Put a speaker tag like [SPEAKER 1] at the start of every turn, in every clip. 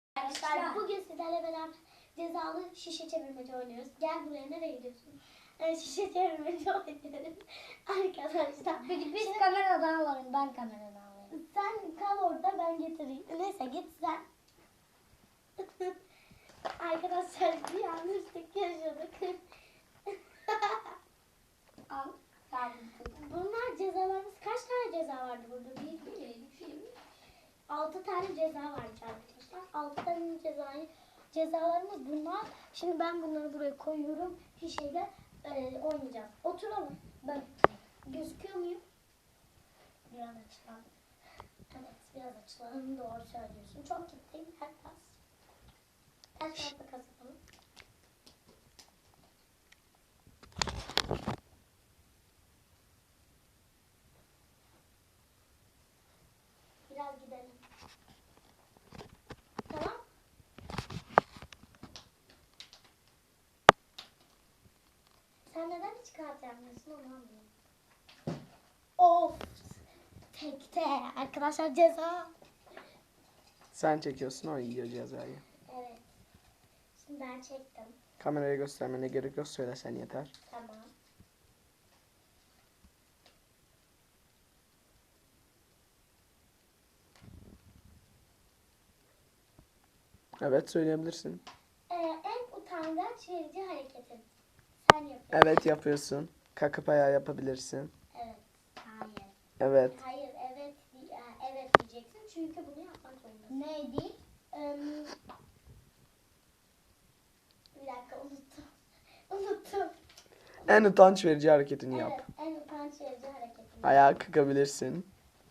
[SPEAKER 1] Arkadaşlar bugün sizlerle beraber cezalı şişe çevirmeci oynuyoruz. Gel buraya, nereye gidiyorsun? Şişe çevirmeci oynuyoruz. Arkadaşlar.
[SPEAKER 2] Biz kameradan alalım, ben kameradan alayım.
[SPEAKER 1] Sen kal orada, ben getireyim. Neyse git sen. Arkadaşlar bir yanlışlık yaşadık.
[SPEAKER 2] Al.
[SPEAKER 1] Bunlar cezalarımız. Kaç tane ceza vardı burada? 6 tane ceza vardı arkadaşlar. 6 tane cezalarımız bunlar. Şimdi ben bunları buraya koyuyorum. Şişeyle oynayacağız. Oturalım. Ben gözüküyor muyum?
[SPEAKER 2] Biraz açalım.
[SPEAKER 1] Evet, biraz açılalım. Doğru söylüyorsun. Çok gittim. Herkes. Herkes kazanalım. Biraz gidelim. Tamam. Sen neden hiç kağıt yapmıyorsun, onu anlıyorum. Of. Tekte. Arkadaşlar ceza.
[SPEAKER 3] Sen çekiyorsun, o yiyor cezayı.
[SPEAKER 1] Evet. Şimdi ben çektim.
[SPEAKER 3] Kameraya göstermene gerek yok, söylesen yeter.
[SPEAKER 1] Tamam.
[SPEAKER 3] Evet, söyleyebilirsin.
[SPEAKER 1] En utangaç verici hareketin. Sen yapıyorsun.
[SPEAKER 3] Evet, yapıyorsun. Kakıp ayağı yapabilirsin.
[SPEAKER 1] Evet. Hayır.
[SPEAKER 3] Evet.
[SPEAKER 1] Hayır. Evet. Evet diyeceksin. Çünkü bunu yapmak zorundasın.
[SPEAKER 2] Neydi?
[SPEAKER 1] Bir dakika, unuttum. Unuttum.
[SPEAKER 3] En utanç verici hareketini
[SPEAKER 1] Evet.
[SPEAKER 3] yap.
[SPEAKER 1] En utanç verici hareketin.
[SPEAKER 3] Ayağı kakabilirsin.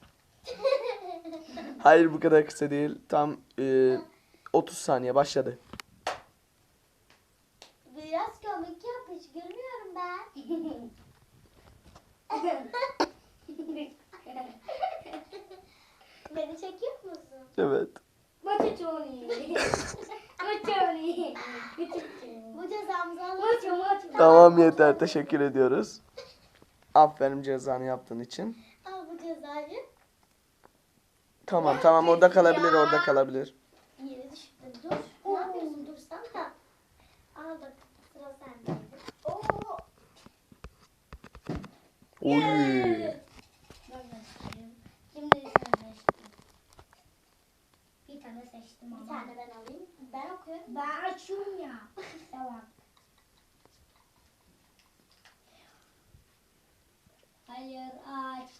[SPEAKER 3] Hayır, bu kadar kısa değil. Tam 30 saniye başladı.
[SPEAKER 1] Biraz komik yap. Hiç gülmüyorum ben. Beni çekiyor musun?
[SPEAKER 3] Evet.
[SPEAKER 2] Maçı Tony. Maçı
[SPEAKER 1] Bu cezamızı alalım.
[SPEAKER 2] Maçı.
[SPEAKER 3] Tamam, yeter. Teşekkür ediyoruz. Aferin cezanı yaptığın için.
[SPEAKER 1] Al bu cezayı.
[SPEAKER 3] Tamam, orada kalabilir, orada kalabilir.
[SPEAKER 1] Yere düştü. Dur. Ne yapıyorsun? Dursan da. Al bak. Sıra sendeydi. Oo.
[SPEAKER 3] Oy.
[SPEAKER 2] Ben göstereyim. Şimdi sen seçtim. Bir tane seçtim
[SPEAKER 1] Bir
[SPEAKER 2] ama.
[SPEAKER 1] tane ben alayım. Ben okuyorum.
[SPEAKER 2] Ben açıyorum ya. Tamam. Hayır aç.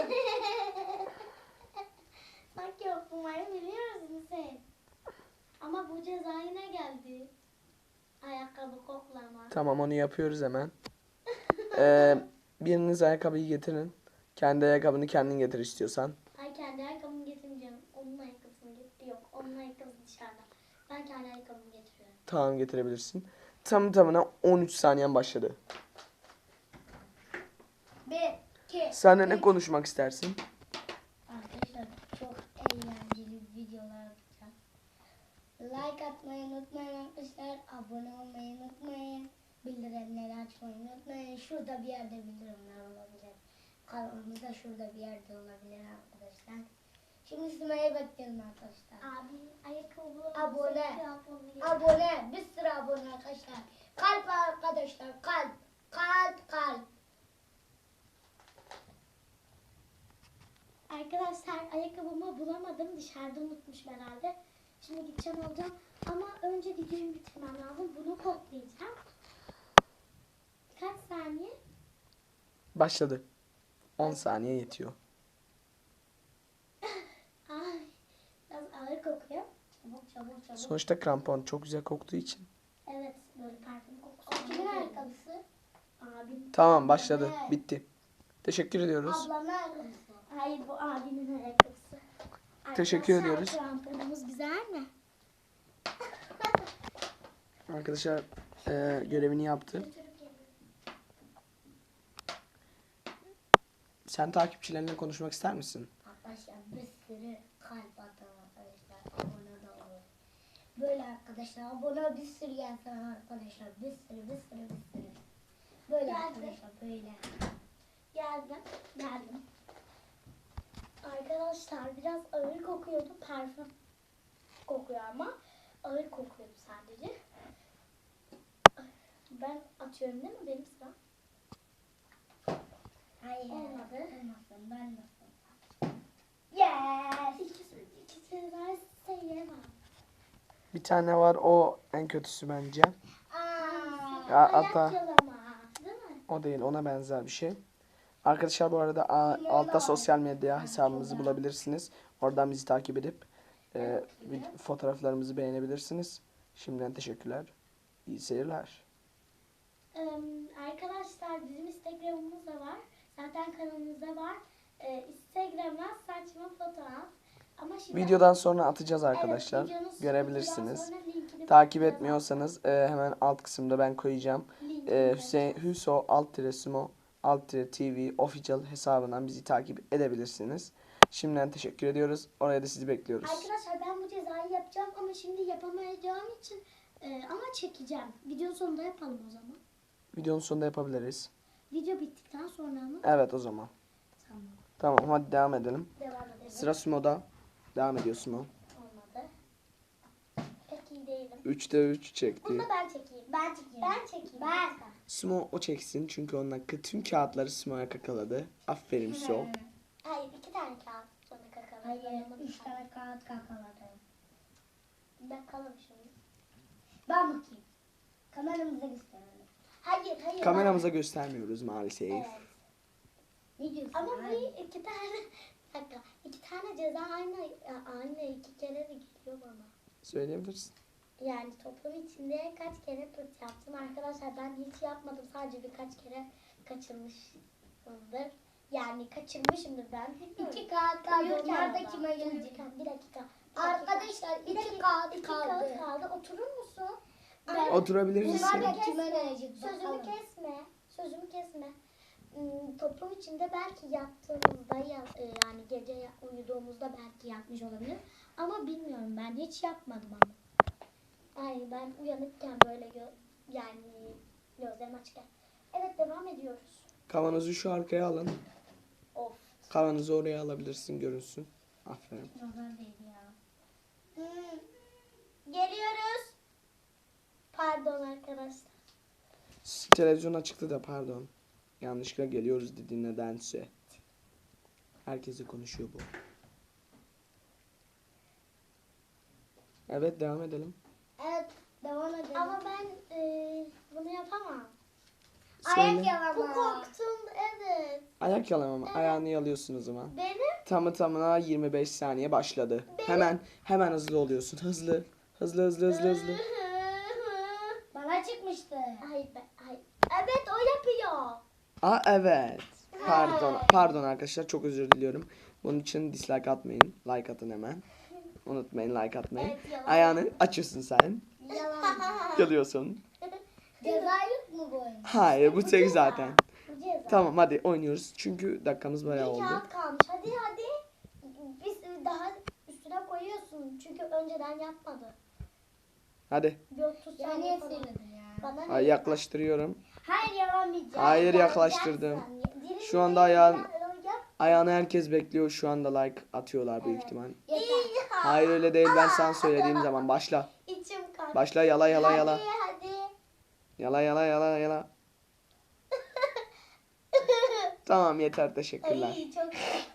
[SPEAKER 1] Sanki okumayı biliyorsun sen. Ama bu ceza yine geldi. Ayakkabı koklama.
[SPEAKER 3] Tamam, onu yapıyoruz hemen. Biriniz ayakkabıyı getirin. Kendi ayakkabını kendin getir istiyorsan.
[SPEAKER 1] Ay, kendi ayakkabımı getirmeyeceğim. Onun ayakkabısını getir. Yok, onun ayakkabısı dışarıda. Ben kendi ayakkabımı getiriyorum.
[SPEAKER 3] Tamam, getirebilirsin. Tamına 13 saniyen başladı.
[SPEAKER 2] 1, 2.
[SPEAKER 3] Sen de ne konuşmak istersin?
[SPEAKER 2] Arkadaşlar çok eğlenceli videolar yapacağım. Like atmayı unutmayın arkadaşlar. Abone olmayı unutmayın. Bildirimleri açmayı unutmayın. Şurada bir yerde bildirimler olabilir. Kanalımızda şurada bir yerde olabilir arkadaşlar. Şimdi Sümeyye bekliyorum arkadaşlar.
[SPEAKER 1] Abi ayakkabı.
[SPEAKER 2] Abone. Abone. Bir sürü abone arkadaşlar. Kalp arkadaşlar. Kalp. Kalp.
[SPEAKER 1] Arkadaşlar ayakkabımı bulamadım. Dışarıda unutmuşum herhalde. Şimdi gideceğim alacağım. Ama önce videoyu bitirmem lazım. Bunu koklayacağım. Kaç saniye?
[SPEAKER 3] Başladı. 10 saniye yetiyor.
[SPEAKER 1] Ay, biraz ağır kokuyor. Çabuk.
[SPEAKER 3] Sonuçta krampon çok güzel koktuğu için.
[SPEAKER 1] Evet, böyle parfüm kokusu. Kimin ayakkabısı? Abim.
[SPEAKER 3] Tamam, başladı. Bitti. Teşekkür ediyoruz.
[SPEAKER 1] Ablamın ayakkabısı. Hayır, bu abimin ayakkabısı.
[SPEAKER 3] Teşekkür
[SPEAKER 1] Arkadaşlar,
[SPEAKER 3] ediyoruz.
[SPEAKER 1] kramponumuz güzel mi?
[SPEAKER 3] Arkadaşlar görevini yaptı.
[SPEAKER 1] Götürüp geliyorum.
[SPEAKER 3] Sen takipçilerine konuşmak ister misin?
[SPEAKER 2] Arkadaşlar bir sürü kalp atın arkadaşlar. Abone de olun. Böyle arkadaşlar abone bir sürü gelsin arkadaşlar. Bir sürü. Böyle
[SPEAKER 1] Geldi.
[SPEAKER 2] arkadaşlar böyle.
[SPEAKER 1] Geldim. Arkadaşlar biraz ağır kokuyordu. Parfüm kokuyor ama. ağır kokuyordu sadece. Ben atıyorum değil mi? Benim sıram.
[SPEAKER 2] Hayır.
[SPEAKER 1] Olmadı.
[SPEAKER 2] Olmasın. Ben nasıl?
[SPEAKER 1] Yes. İkisi varsa yemem.
[SPEAKER 3] Bir tane var, o en kötüsü bence.
[SPEAKER 2] Aa.
[SPEAKER 3] Ya,
[SPEAKER 1] Ayak
[SPEAKER 3] hatta
[SPEAKER 1] yalama. Değil mi?
[SPEAKER 3] o değil, ona benzer bir şey. Arkadaşlar bu arada altta sosyal medya hesabımızı bulabilirsiniz. Oradan bizi takip edip fotoğraflarımızı beğenebilirsiniz. Şimdiden teşekkürler. İyi seyirler.
[SPEAKER 1] Arkadaşlar bizim Instagram'ımız da var. Zaten kanalımızda var. Instagram'dan saçma fotoğraf. Ama şimdi
[SPEAKER 3] Videodan sonra atacağız arkadaşlar.
[SPEAKER 1] Evet, videonun
[SPEAKER 3] Görebilirsiniz.
[SPEAKER 1] sonra linkini
[SPEAKER 3] Takip
[SPEAKER 1] koyacağız.
[SPEAKER 3] etmiyorsanız hemen alt kısımda ben koyacağım.
[SPEAKER 1] Linkini
[SPEAKER 3] Hüseyin
[SPEAKER 1] koyacağız.
[SPEAKER 3] Hüso alt-Smo alt-TV official hesabından bizi takip edebilirsiniz. Şimdiden teşekkür ediyoruz. Oraya da sizi bekliyoruz.
[SPEAKER 1] Arkadaşlar ben bu cezayı yapacağım ama şimdi yapamayacağım için ama çekeceğim. Video sonunda yapalım o zaman.
[SPEAKER 3] Videonun sonunda yapabiliriz.
[SPEAKER 1] Video bittikten sonra mı?
[SPEAKER 3] Evet o zaman.
[SPEAKER 1] Tamam.
[SPEAKER 3] Tamam hadi devam edelim.
[SPEAKER 1] Devam edelim.
[SPEAKER 3] Sıra Sumo'da. Devam ediyor Sumo.
[SPEAKER 1] Olmadı. Pek iyi değilim.
[SPEAKER 3] 3'te 3 çekti.
[SPEAKER 1] Bunu da ben çekeyim.
[SPEAKER 2] Ben çekeyim.
[SPEAKER 1] Ben çekeyim.
[SPEAKER 2] Ben.
[SPEAKER 3] Sumo o çeksin çünkü onun hakkı tüm kağıtları Sumo'ya kakaladı. Aferin Sumo.
[SPEAKER 1] Hayır 2 tane kağıt bana kakaladı.
[SPEAKER 2] Hayır. 3 tane kağıt kakaladım.
[SPEAKER 1] Bakalım şimdi.
[SPEAKER 2] Ben bakayım. Kameramıza gösterelim.
[SPEAKER 1] Hayır.
[SPEAKER 3] Kameramıza göstermiyoruz maalesef.
[SPEAKER 1] Evet.
[SPEAKER 2] Ne diyorsun?
[SPEAKER 1] Ama
[SPEAKER 2] abi?
[SPEAKER 1] bu 2 tane bir dakika. 2 tane ceza aynı 2 kere de geliyor bana.
[SPEAKER 3] Söyleyebilirsin.
[SPEAKER 1] Yani toplum içinde kaç kere pırt yaptım arkadaşlar, ben hiç yapmadım, sadece birkaç kere kaçırmışımdır. Yani kaçırmışımdır ben. Bilmiyorum.
[SPEAKER 2] 2 kağıt kaldı.
[SPEAKER 1] Uyurken
[SPEAKER 2] Onlar da
[SPEAKER 1] ama.
[SPEAKER 2] kime gelecek?
[SPEAKER 1] Uyurken, bir dakika.
[SPEAKER 2] Arkadaşlar
[SPEAKER 1] Bir
[SPEAKER 2] 2
[SPEAKER 1] dakika,
[SPEAKER 2] kağıt
[SPEAKER 1] iki
[SPEAKER 2] kaldı.
[SPEAKER 1] kağıt kaldı. Oturur musun?
[SPEAKER 3] Oturabilir
[SPEAKER 2] Bunlar
[SPEAKER 3] misin?
[SPEAKER 2] da kime gelecek
[SPEAKER 1] Sözümü
[SPEAKER 2] bakalım.
[SPEAKER 1] kesme. Sözümü kesme. Toplum içinde belki yattığımızda yani gece uyuduğumuzda belki yapmış olabilir. Ama bilmiyorum, ben hiç yapmadım ama. Ay ben uyanıkken böyle yani gözlerim açıkken. Evet, devam ediyoruz.
[SPEAKER 3] Kavanozu şu arkaya alın.
[SPEAKER 1] Of.
[SPEAKER 3] Kavanozu oraya alabilirsin, görünsün. Aferin.
[SPEAKER 2] Nazar değdi ya.
[SPEAKER 1] Geliyoruz. Pardon arkadaşlar.
[SPEAKER 3] Televizyon açıktı da pardon. Yanlışlıkla geliyoruz dedi nedense. Herkese konuşuyor bu. Evet devam edelim.
[SPEAKER 2] Evet. Devam edelim.
[SPEAKER 1] Ama ben bunu yapamam.
[SPEAKER 2] Ayak
[SPEAKER 3] Söyle.
[SPEAKER 2] yalama.
[SPEAKER 1] Bu korktum, evet.
[SPEAKER 3] Ayak yalamama. Ayağını yalıyorsun o zaman.
[SPEAKER 1] Benim
[SPEAKER 3] Tamı tamına 25 saniye başladı. Hemen hızlı oluyorsun. Hızlı. Hızlı.
[SPEAKER 2] Bana çıkmıştı.
[SPEAKER 1] Hayır. Evet, o yapıyor.
[SPEAKER 3] Aa evet. Pardon arkadaşlar, çok özür diliyorum. Bunun için dislike atmayın. Like atın hemen. Unutmayın like atmayı.
[SPEAKER 1] Evet, yalan.
[SPEAKER 3] Ayağını açıyorsun sen.
[SPEAKER 2] Yalan.
[SPEAKER 3] Yalıyorsun.
[SPEAKER 2] Ceza yok mu bu oyun?
[SPEAKER 3] Hayır bu tek zaten.
[SPEAKER 1] Bu ceza.
[SPEAKER 3] Tamam hadi oynuyoruz. Çünkü dakikamız bayağı
[SPEAKER 1] Bir
[SPEAKER 3] oldu.
[SPEAKER 1] kağıt kalmış. Hadi. Biz daha üstüne koyuyorsun. Çünkü önceden yapmadı.
[SPEAKER 3] Hadi.
[SPEAKER 1] Bir 30
[SPEAKER 2] Ya
[SPEAKER 1] saniye
[SPEAKER 2] niye
[SPEAKER 1] falan.
[SPEAKER 2] söyledin ya?
[SPEAKER 1] Bana ne?
[SPEAKER 3] Ay, yaklaştırıyorum.
[SPEAKER 2] Hayır yalamayacağım.
[SPEAKER 3] Hayır yaklaştırdım. Şu anda ayağın- Ayağını herkes bekliyor. Şu anda like atıyorlar büyük ihtimal.
[SPEAKER 2] Yeter.
[SPEAKER 3] Hayır öyle değil, ben sana söylediğim zaman başla.
[SPEAKER 1] İçim kalktı.
[SPEAKER 3] Başla yala.
[SPEAKER 1] Hadi.
[SPEAKER 3] Yala. Tamam yeter, teşekkürler.
[SPEAKER 1] Ay, çok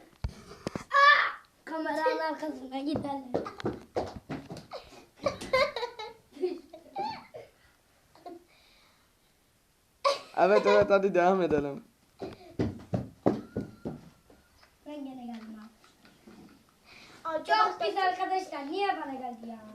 [SPEAKER 2] Kameranın arkasına gidelim.
[SPEAKER 3] Evet hadi devam edelim.
[SPEAKER 2] Ben gene geldim ha.
[SPEAKER 1] Arkadaşlar,
[SPEAKER 2] Çok pis arkadaşlar. Niye bana geldi ya?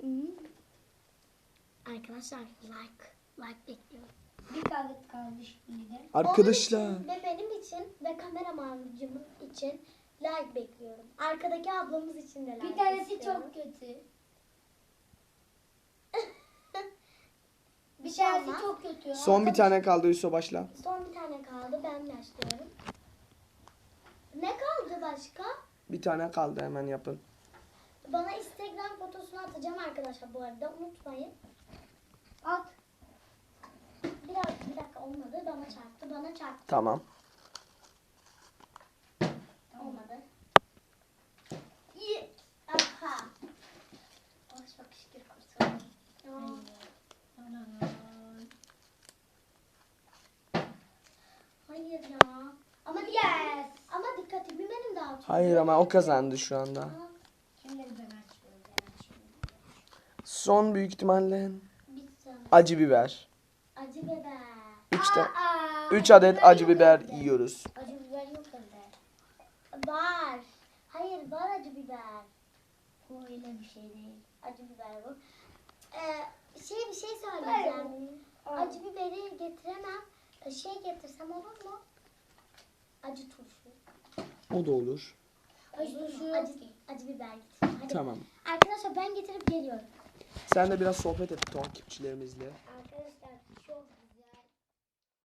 [SPEAKER 1] Arkadaşlar like bekliyorum.
[SPEAKER 2] Bir kağıt kaldı şimdi de.
[SPEAKER 3] Arkadaşlar.
[SPEAKER 1] Onun için ve benim için ve kameramanımın için like bekliyorum. Arkadaki ablamız için de like
[SPEAKER 2] Bir tanesi
[SPEAKER 1] istiyorum.
[SPEAKER 2] çok kötü. Bir
[SPEAKER 1] şey
[SPEAKER 2] tanesi
[SPEAKER 1] olmaz.
[SPEAKER 2] çok kötü.
[SPEAKER 3] Son bir tane kaldı, Hüso başla.
[SPEAKER 1] Son bir tane kaldı. Ben başlıyorum. Ne kaldı başka?
[SPEAKER 3] Bir tane kaldı, hemen yapın.
[SPEAKER 1] Bana Instagram fotosunu atacağım arkadaşlar bu arada. Unutmayın.
[SPEAKER 2] At.
[SPEAKER 1] Bir dakika olmadı. Bana çarptı.
[SPEAKER 3] Tamam.
[SPEAKER 1] Olmadı. İyi. Aha. Oh, çok şükür kurtuldum.
[SPEAKER 3] Hayır ama o kazandı şu anda.
[SPEAKER 2] Şimdi ben açıyorum.
[SPEAKER 3] Son büyük ihtimalle
[SPEAKER 1] Bir tane.
[SPEAKER 3] acı biber.
[SPEAKER 1] Acı biber.
[SPEAKER 3] 3 adet acı biber yiyoruz.
[SPEAKER 2] Acı biber yok bende.
[SPEAKER 1] Var. Hayır var acı biber.
[SPEAKER 2] Bu öyle bir şey değil.
[SPEAKER 1] Acı biber bu. Bir şey söyleyeceğim. Acı biberi getiremem. Getirsem olur mu? Acı turşu.
[SPEAKER 3] O da olur.
[SPEAKER 1] Acı biber getir. Hadi.
[SPEAKER 3] Tamam.
[SPEAKER 1] Arkadaşlar ben getirip geliyorum.
[SPEAKER 3] Sen de biraz sohbet et takipçilerimizle.